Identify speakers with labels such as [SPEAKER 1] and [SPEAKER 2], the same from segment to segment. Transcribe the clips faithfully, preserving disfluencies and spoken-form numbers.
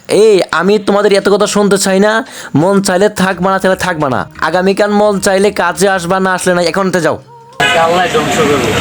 [SPEAKER 1] এই আমি তোমাদের এত কথা শুনতে চাই না। মন চাইলে থাকবা না চাইলে থাকবা না। আগামীকাল মন চাইলে কাজে আসবা, না আসলে না। এখন তো যাও।
[SPEAKER 2] আল্লাহ ধ্বংস করবে।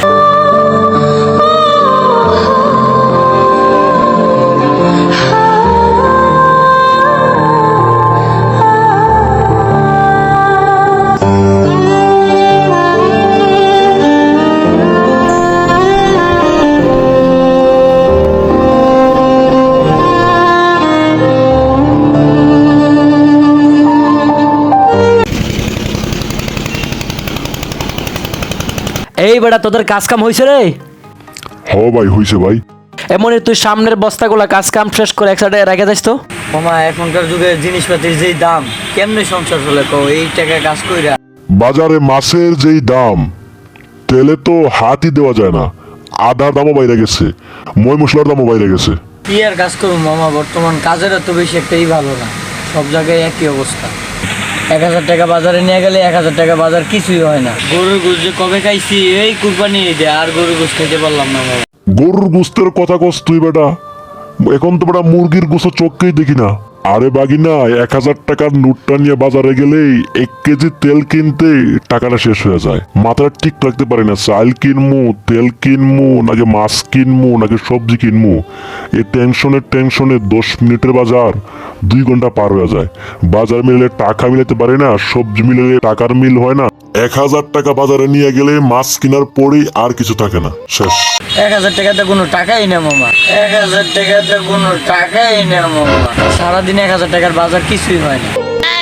[SPEAKER 1] এই বেটা তোদের কাজ কাম হয়েছে রে?
[SPEAKER 3] হ ভাই হইছে ভাই।
[SPEAKER 1] এমনি তুই সামনের বস্তাগুলা কাজ কাম শেষ করে এক সাইডে রেখে যাস তো।
[SPEAKER 2] মামা এখনকার যুগে জিনিসপাতির যেই দাম, কেমনে সংসার চলে কও? এই টাকা কাজ কইরা
[SPEAKER 3] বাজারে মাছের যেই দাম, তেলে তো হাতই দেওয়া যায় না। আদার দামও বাইরে গেছে, মই মশলার দামও বাইরে গেছে।
[SPEAKER 2] কি আর কাজ করবো মামা, বর্তমান কাজের এত বেশি একটাই ভালো না, সব জায়গায় একই অবস্থা। এক হাজার টাকা বাজারে নিয়ে গেলে এক হাজার টাকা বাজার কিছুই হয় না। গরুর গোশ যে কবে খাইছি এই কুরবানি ঈদে, আর গরুর গোশ খাইতে পারলাম না মামা।
[SPEAKER 3] গরুর গোস্তের কথা কস তুই বেটা? এখন তো বেটা মুরগির গোস্ত চোখকেই দেখি না। আরে বাগিনা, এক হাজার টাকার নোটটা নিয়ে বাজারে গেলেই এক কেজি তেল কিনতে টাকাটা শেষ হয়ে যায়। মাথাটা ঠিক রাখতে পারি না, চাল কিনমু, তেল কিনমু, নাকি মাছ কিনমু, নাকি সবজি কিনমু। এই টেনশনের টেনশনে দশ মিনিটের বাজার দুই ঘন্টা পার হয়ে যায়। বাজার মিলে টাকা মিলাতে পারি না, সবজি মিলে টাকার মিল হয় না। এক হাজার টাকা বাজারে নিয়ে গেলে মাছ কেনার পরেই আর কিছু থাকে না, শেষ।
[SPEAKER 2] এক হাজার টাকাতে কোনো টাকাই না মামা, এক হাজার টাকাতে কোনো টাকাই না মামা। সারাদিন এক হাজার টাকার বাজার কিছুই হয় না।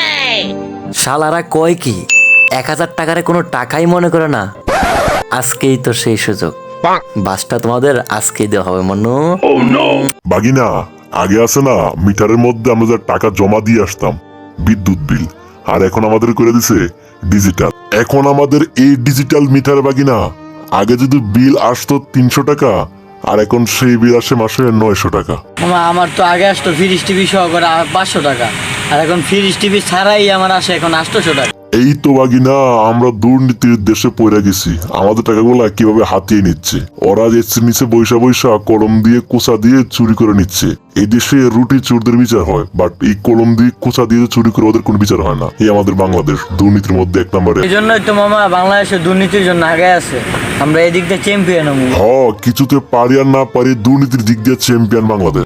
[SPEAKER 1] শালারা কয় কি এক হাজার টাকারে কোনো টাকাই মনে করে না? আজকেই তো সেই সুযোগ। বাসটা তোমাদের আজকেই দেওয়া হবে মনু।
[SPEAKER 3] বাগিনা, আগে আছে না মিটারের মধ্যে আমরা যে টাকা জমা দিয়ে আসতাম বিদ্যুৎ বিল, আর এখন আমাদের করে দিছে ডিজিটাল। এখন আমাদের এই ডিজিটাল মিটার বাগিনা, আগে যদি বিল আসতো তিনশো টাকা, আর এখন সেই বিল আসে মাসে নয়শো টাকা।
[SPEAKER 2] মামা আমার তো আগে আসতো ফ্রিজ টিভি সহকারে পাঁচশো টাকা, আর এখন ফ্রিজ টিভি ছাড়াই আমার আসে এখন আটশোশো টাকা।
[SPEAKER 3] এই তো বাগিনা, আমরা দুর্নীতির দেশে পড়ে গেছি। আমাদের টাকাগুলা কিভাবে হাতিয়ে নিচ্ছে ওরা, যে নিচে বৈশা বৈশা কলম দিয়ে কুচা দিয়ে চুরি করে নিচ্ছে। এই দেশে রুটি চোরদের বিচার হয়, বাট এই কলম দিয়ে কুচা দিয়ে চুরি করে ওদের কোনো বিচার হয় না। এই আমাদের বাংলাদেশ দুর্নীতির মধ্যে এক নম্বরে।
[SPEAKER 2] এই জন্যই তো মামা বাংলাদেশে দুর্নীতির জন্য আগে আছে, আমরা এই দিক দিয়ে চ্যাম্পিয়ন হবো।
[SPEAKER 3] হ, কিছুতে পারি আর না পারি, দুর্নীতির দিক দিয়ে চ্যাম্পিয়ন বাংলাদেশ।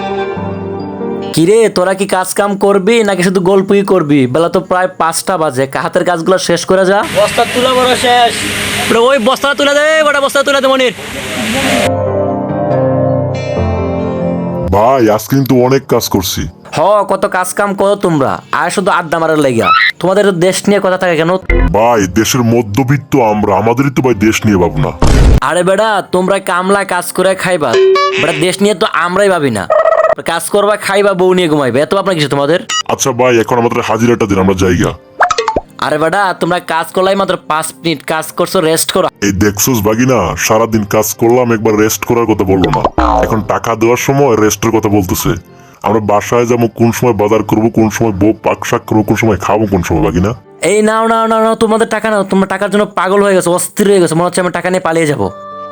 [SPEAKER 1] কিরে তোরা কি কাজ কাম করবি নাকি শুধু গল্পই করবি? বেলা তো প্রায় পাঁচটা বাজে, হাতের কাজগুলো শেষ করে যা।
[SPEAKER 2] বস্তা তুলা বড় শেষ।
[SPEAKER 1] ওই বস্তা তুলে দে, বড় বস্তা তুলে দে মনির।
[SPEAKER 3] ভাই আজ কিন্তু অনেক কাজ করছি।
[SPEAKER 1] হ, কত কাজ কাম করো তোমরা, আর শুধু আড্ডা মারার লাগিয়া। তোমাদের দেশ নিয়ে কথা থাকে কেন?
[SPEAKER 3] ভাই দেশের মধ্যবিত্ত আমরা, আমাদেরই তো ভাই দেশ নিয়ে ভাবনা।
[SPEAKER 1] আরে বেটা, তোমরা কামলা কাজ করে খাইবা, বেটা দেশ নিয়ে তো আমরাই ভাবি না। কাজ করবা, খাইবা, বউ নিয়ে ঘুমাইবে, এত আপনার কিছু তোমাদের?
[SPEAKER 3] আচ্ছা ভাই, এখন আমাদের হাজিরাটা দিন, আমরা জায়গা।
[SPEAKER 1] আরে বেটা, তোমরা কাজ করলাই মাত্র পাঁচ মিনিট কাজ করছো, রেস্ট করো।
[SPEAKER 3] এই দেখছোস বাগিনা, সারাদিন কাজ করলাম, একবার রেস্ট করার কথা বললো না। এখন টাকা দেওয়ার সময় রেস্টের কথা বলতেছে। আমরা বাসায় যাবো কোন সময়, বাজার করবো কোন সময়, বউ পাক শাক করবো কোন সময়, খাবো কোন সময় বাগিনা।
[SPEAKER 1] এই নাও নাও নাও নাও, তোমাদের টাকা নাও। তোমরা টাকার জন্য পাগল হয়ে গেছো, অস্থির হয়ে গেছো, মনে হচ্ছে আমি টাকা নিয়ে পালিয়ে যাবো।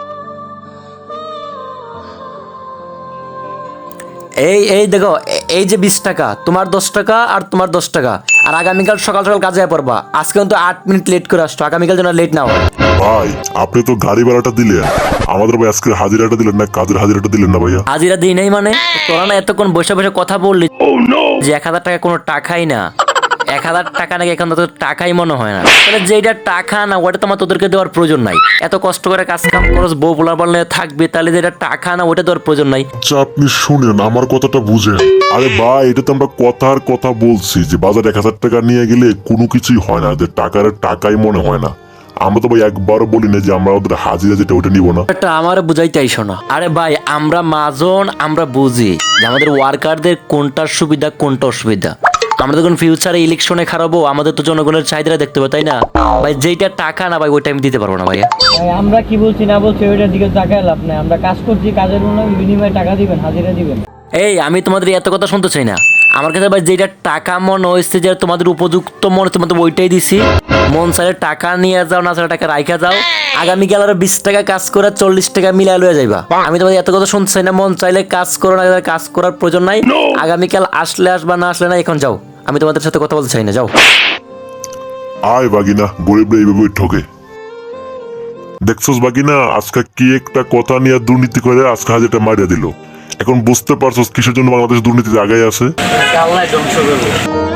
[SPEAKER 1] এই এই দেখো, এই যে বিশ টাকা, তোমার দশ টাকা আর তোমার দশ টাকা। আর আগামীকাল সকাল সকাল কাজে পড়বা। আজকে কিন্তু আট মিনিট লেট করে আসছো, আগামীকাল যেন লেট না হয়।
[SPEAKER 3] ভাই আপনি তো গাড়ি ভাড়াটা দিলেন, আমাদের ভাই আজকে হাজিরাটা দিলেন না, কাজের হাজিরাটা দিলেন না ভাইয়া।
[SPEAKER 1] হাজিরা দিই নাই মানে? তোরা না এতক্ষণ বসে বসে কথা বললি যে এক হাজার টাকা কোনো টাকাই না। এক হাজার টাকা নাকি এখন তো টাকাই মনে হয় না। তাহলে যেটা টাকা না, ওটা তোমার তোদেরকে দেওয়ার প্রয়োজন নাই। এত কষ্ট করে কাজ কাম খরচ বউ বলার বললে থাকবে, তাহলে যেটা টাকা না, ওটা দেওয়ার প্রয়োজন নাই।
[SPEAKER 3] আচ্ছা আপনি শুনেন, আমার কথাটা বুঝেন। আরে ভাই, এটা তো আমরা কথার কথা বলছি যে বাজার এক হাজার টাকা নিয়ে গেলে কোনো কিছুই হয় না, যে টাকার টাকাই মনে হয় না। আমরা তো ভাই একবারও বলি না যে আমরা ওদের হাজিরা যেটা ওটা নিব না।
[SPEAKER 1] এটা আমার বুঝাইতে আইসো না। আরে ভাই, আমরা মাজন, আমরা বুঝি যে আমাদের ওয়ার্কারদের কোনটার সুবিধা কোনটা অসুবিধা। আমরা যখন ফিউচারে ইলেকশনে খারাপো, আমাদের তো জনগণের চাহিদা দেখতে হবে, তাই না ভাই? যেটা টাকা না ভাই, ওইটা আমি দিতে পারবো না ভাইয়া।
[SPEAKER 2] আমরা কি বলছি না বলছি ওইটার দিকে তাকায় লাভ নাই। আমরা কাজ করছি, কাজের বিনিময়ে টাকা দিবেন, হাজিরা দিবেন।
[SPEAKER 1] এই আমি তোমাদের এত কথা শুনতে চাই না। আমার কাছে ভাই যেটা টাকা মনে হয়েছে, যে তোমাদের উপযুক্ত মনে হচ্ছে, তোমাদের ওইটাই দিছি। মন চাইলে টাকা নিয়ে যাও, না চাইলে টাকা রাইখা যাও। আগামীকাল আরো বিশ টাকা কাজ করে চল্লিশ টাকা মিলাই লয়ে যাইবা। আমি তোমাদের এত কথা শুনতে চাই না। মন চাইলে কাজ করো, না কাজ করার প্রয়োজন নাই। আগামীকাল আসলে আসবা, না আসলে না, এখন যাও। আমি তোমাদের সাথে কথা বলতে চাই না, যাও।
[SPEAKER 3] আয় বাগিনা, গরিবরা এইভাবে ঠকে। দেখছস বাগিনা, আজকে কি একটা কথা নিয়ে দুর্নীতি করে আজকে হাজারটা মারিয়া দিল। এখন বুঝতে পারছস কিসের জন্য বাংলাদেশ দুর্নীতিতে আগায় আছে।
[SPEAKER 2] আল্লাহ ধ্বংস করবে।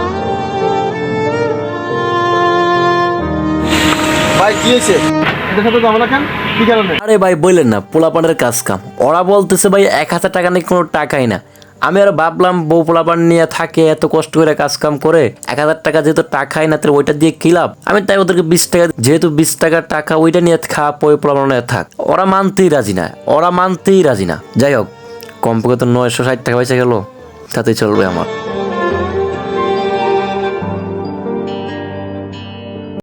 [SPEAKER 4] ভাই কি হয়েছে? এটার সাথে ঝামেলা কেন? কি কারণে?
[SPEAKER 1] আরে ভাই বললেন না, পোলাপানের কাজ কাম। ওরা বলতেছে ভাই এক হাজার টাকা নাকি কোনো টাকাই না। আমি আর ভাবলাম বউ পোলাপান নিয়ে থাকে, এত কষ্ট করে কাজ কাম করে, এক হাজার টাকা যেহেতু টাকাই না, তাহলে ওইটা দিয়ে কি লাভ? আমি তাই ওদেরকে বিশ টাকা, যেহেতু বিশ টাকার টাকা, ওইটা নিয়ে খা, পয় পোলাপান নিয়ে থাক। ওরা মানতেই রাজি না, ওরা মানতেই রাজি না। যাই হোক, কমপক্ষে তো নয়শো ষাট টাকা পয়সা গেল, তাতেই চলবে আমার।